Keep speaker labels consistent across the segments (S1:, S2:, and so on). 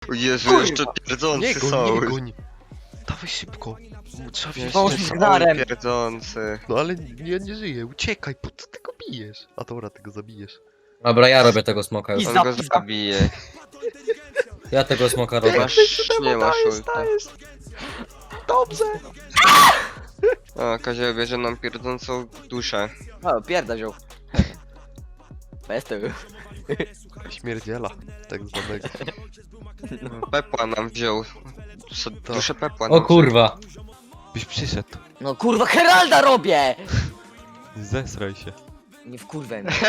S1: O Jezu,
S2: Kurwa.
S1: jeszcze
S3: Nie
S1: pierdzący
S3: goń,
S1: są.
S3: nie goń. Dawaj szybko. Trzeba wziąć
S2: Pomóż
S1: Jeszcze
S2: mi z
S1: są
S2: gnarem.
S1: pierdzący.
S3: No ale ja nie żyję, uciekaj, po co ty go bijesz? A dobra, ty go zabijesz.
S4: Dobra, ja robię tego smoka już.
S2: I
S1: On
S2: za-
S1: go zabije.
S4: Ja tego smoka robię.
S1: Nie masz ulta.
S3: Dobrze!
S1: O, Kozioł bierze nam pierdzącą duszę.
S2: O, pierda wziął. Bez tego.
S3: Śmierdziela, tak zwanego.
S1: Pepła nam wziął. Duszę Pepła nam
S4: O kurwa.
S3: Byś przyszedł.
S2: No kurwa, Heralda robię!
S3: Zesraj się.
S2: Nie wkurwaj mnie.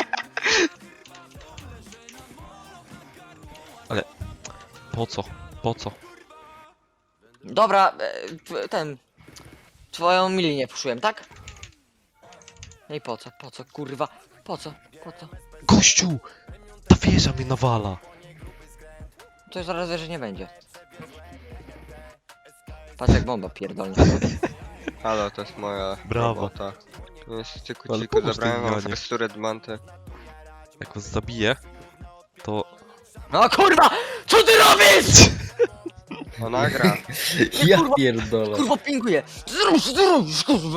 S3: Po co? Po co?
S2: Dobra, twoją milię puszyłem, tak? No i po co, kurwa? Po co?
S3: Gościu! Ta wieża mnie nawala.
S2: To już zaraz że nie będzie. Patrz jak bomba pierdolnie.
S1: Halo, to jest moja
S3: Brawo.
S1: robota. Niestety
S3: Ale
S1: kuciku,
S3: pomóż
S1: zabrałem
S3: tej
S1: wam
S3: zmianie.
S1: fresturę Dmanty.
S3: Jak was zabiję, to...
S2: No kurwa! Co ty robisz?!
S1: Ona gra.
S4: Ja pierdolę.
S2: Kurwa pinguje! Co ty robisz, kurwa?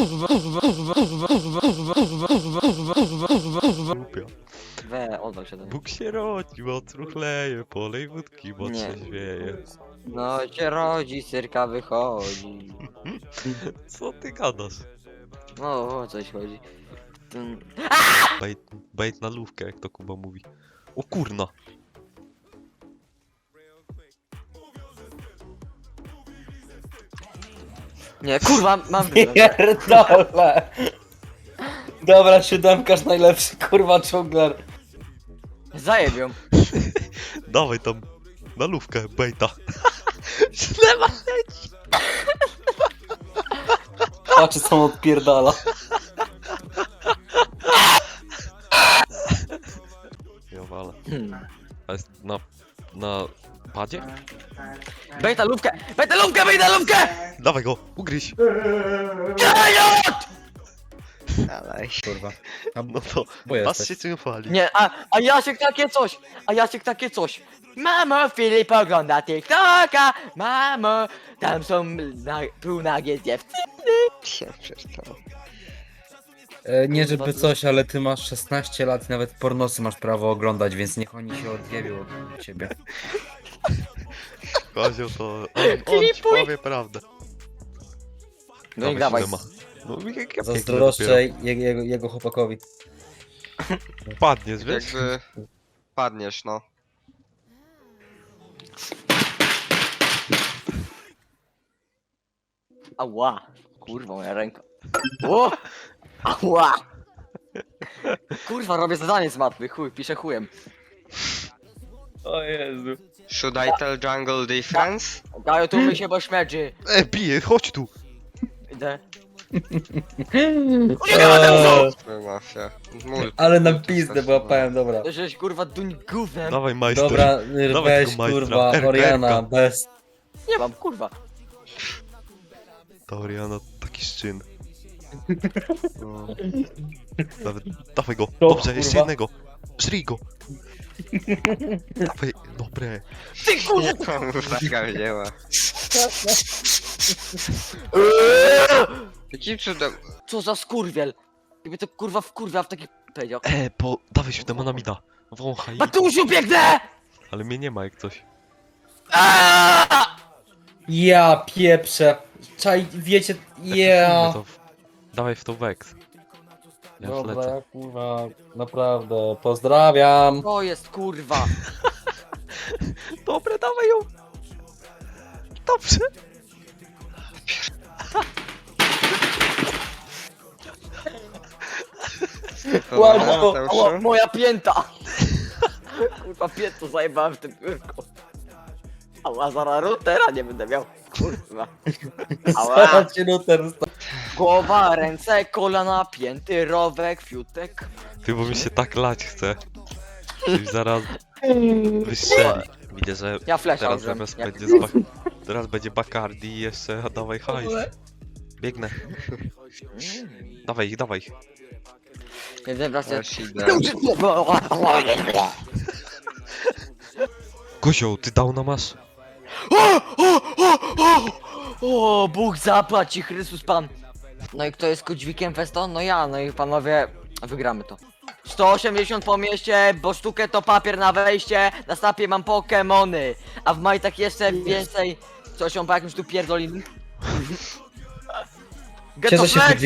S3: Głupia.
S2: Odwal się do mnie.
S3: Bóg się rodził, otruchleje, polej wódki, bo
S2: Nie.
S3: trzeźwieje.
S2: No się rodzi, cyrka wychodzi.
S3: Co ty gadasz?
S2: No, o coś chodzi.
S3: Bait na lówkę, jak to Kuba mówi. O kurna!
S2: Nie, kurwa, mam
S4: Pierdolę. Dobra, siódemkarz najlepszy, kurwa, dżungler.
S2: Zajebią.
S3: Dawaj tam, na lówkę, baita. Ślewa leci!
S4: Patrz, co on odpierdala.
S3: Ja walę. A jest na padzie?
S2: Bejta lówkę! Bejta lówkę! Bejta lówkę!
S3: Dawaj go, ugryź!
S1: Ale
S4: Kurwa.
S3: No to,
S4: Bo
S3: pas
S4: jesteś.
S3: się czym chwali.
S2: Nie, a Jasiek takie coś! A Jasiek takie coś! Mamo, Filip ogląda TikToka! Mamo, tam są półnagie dziewczyny!
S1: się przestał.
S4: Nie żeby coś, ale ty masz 16 lat i nawet pornosy masz prawo oglądać, więc niech oni się odjebią od ciebie.
S3: Kozioł to... On ci
S2: Klipuj.
S3: powie prawdę.
S2: No i dawaj.
S3: Siódema. No jak ja pięknie
S4: Zazdroszczę jego chłopakowi.
S3: dopiero. Padniesz, wiesz?
S1: Jakby... Padniesz, no.
S2: Ała! Kurwa, moja ręka. O! Ała! Kurwa, robię zadanie z matmy, chuj, piszę chujem.
S4: O Jezu.
S1: Should I tell jungle difference?
S2: Gaju, tu my się, bo śmierdzi.
S3: Bije, chodź tu!
S2: Idę.
S1: Mafia.
S4: Ale na pizdę byłapałem, dobra.
S2: To żeś kurwa duń gównem.
S3: Dawaj majster.
S4: Dobra,
S3: Dawaj
S4: weź
S3: tego majstra.
S4: kurwa,
S3: Erka,
S4: Oriana,
S3: Erka.
S4: bez...
S2: Nie mam, kurwa.
S3: Ta Oriana taki szczyn. No. Dawaj go,
S4: To,
S3: dobrze, jeszcze
S4: kurwa.
S3: jednego. Żrij go. Dawaj, dobre.
S2: Ty kurwa!
S1: Taka wzięła. Jakim cudem?
S2: Co za skurwiel! Gdyby to kurwa wkurwia w taki... Powiedział.
S3: Dawaj się demona mi da. Wąchaj.
S2: Matusiu, biegnę!
S3: Ale mnie nie ma jak coś.
S2: Aaaa!
S4: Ja pieprzę. Czaj, wiecie, ja...
S3: Dawaj w to Vex. Ja już
S4: Dobra,
S3: lecę.
S4: ja kurwa, naprawdę, pozdrawiam.
S2: To jest kurwa!
S3: Dobre, dawaj ją. Dobrze.
S4: Łatwo.
S2: Ała, moja pięta! Kurwa, piętą zajebałem w tym biurku. Ała, zaraz routera nie będę miał. Kurwa. Ała.
S4: Zaraz się router
S2: Głowa, ręce, kolana, pięty, rowek, fiutek.
S3: Ty, bo mi się tak lać chce. Coś zaraz wystrzeli. Widzę, że
S2: Ja flasha
S3: teraz
S2: użyłem.
S3: zamiast
S2: Jak-
S3: będzie teraz będzie Bacardi i jeszcze dawaj hajs. Biegnę. Dawaj, dawaj.
S2: Nie wiem, wracam.
S1: Też idę.
S3: Kozioł, ty downa masz?
S2: O, Bóg zapłać ci, Chrystus Pan. No i kto jest Kodźwikiem Festo? No ja, no i panowie, wygramy to. 180 po mieście, bo sztukę to papier na wejście, na snapie mam Pokemony, a w majtach jeszcze więcej. Coś on po jakimś tu pierdolin. Get
S4: Cieszę
S2: to
S4: się,
S2: flex!